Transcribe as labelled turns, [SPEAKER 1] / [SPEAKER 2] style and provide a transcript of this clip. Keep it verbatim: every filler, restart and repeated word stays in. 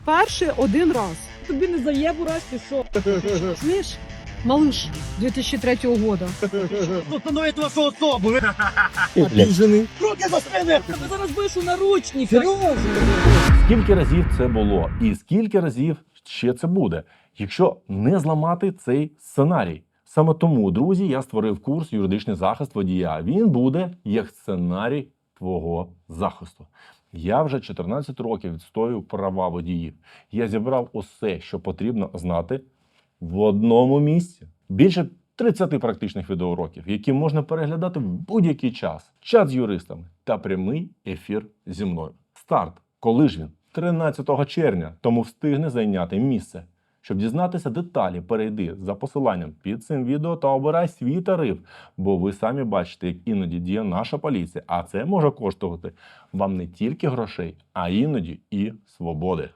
[SPEAKER 1] Перший один раз.
[SPEAKER 2] Тобі не заєбу раз чи що?
[SPEAKER 1] Слышь, малыш две тысячи третьего года.
[SPEAKER 2] Установить вашу особу.
[SPEAKER 3] Обіжений.
[SPEAKER 2] Руки за спини! Ти зараз будеш у наручниках. Серйозно?
[SPEAKER 4] Скільки разів це було і скільки разів ще це буде, якщо не зламати цей сценарій. Саме тому, друзі, я створив курс «Юридичний захист водія». Він буде як сценарій твого захисту. Я вже чотирнадцять років відстоюю права водіїв. Я зібрав усе, що потрібно знати в одному місці. Більше тридцяти практичних відеоуроків, які можна переглядати в будь-який час. Чат з юристами та прямий ефір зі мною. Старт. Коли ж він? тринадцятого червня, тому встигне зайняти місце. Щоб дізнатися деталі, перейди за посиланням під цим відео та обирай свій тариф, бо ви самі бачите, як іноді діє наша поліція, а це може коштувати вам не тільки грошей, а іноді і свободи.